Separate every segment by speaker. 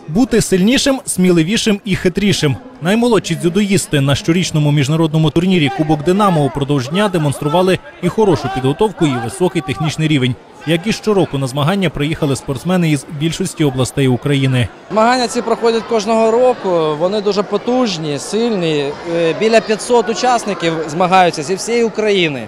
Speaker 1: Бути сильнішим, сміливішим і хитрішим. Наймолодші дзюдоїсти на щорічному міжнародному турнірі «Кубок Динамо» упродовж дня демонстрували і хорошу підготовку, і високий технічний рівень. Як і щороку на змагання приїхали спортсмени із більшості областей України.
Speaker 2: Змагання ці проходять кожного року, вони дуже потужні, сильні. Біля 500 учасників змагаються зі всієї України.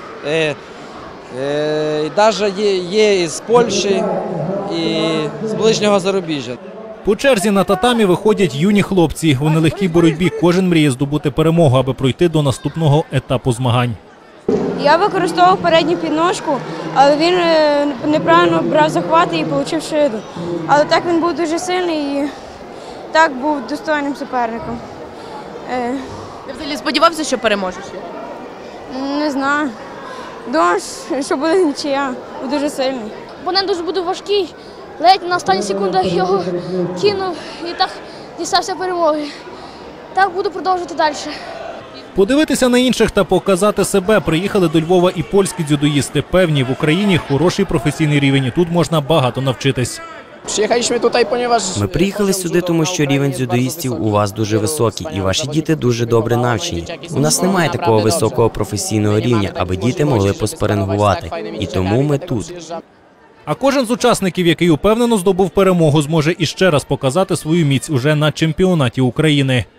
Speaker 2: Навіть є із Польщі, і з ближнього зарубіжжя.
Speaker 1: По черзі на татамі виходять юні хлопці. У нелегкій боротьбі кожен мріє здобути перемогу, аби пройти до наступного етапу змагань.
Speaker 3: Я використовував передню підножку, але він неправильно брав захвати і отримав шиду. Але так він був дуже сильний і так був достойним суперником.
Speaker 4: Ти взагалі сподівався, що переможеш?
Speaker 3: Не знаю. Думав, що буде нічия, був дуже сильний.
Speaker 5: Опонент дуже буде важкий, ледь на останніх секундах його кинув і так дістався перемоги. Так буду продовжувати далі.
Speaker 1: Подивитися на інших та показати себе приїхали до Львова і польські дзюдоїсти. Певні, в Україні хороший професійний рівень, і тут можна багато навчитись.
Speaker 6: Ми приїхали сюди, тому що рівень дзюдоїстів у вас дуже високий, і ваші діти дуже добре навчені. У нас немає такого високого професійного рівня, аби діти могли поспарингувати. І тому ми тут.
Speaker 1: А кожен з учасників, який упевнено здобув перемогу, зможе іще раз показати свою міць уже на чемпіонаті України.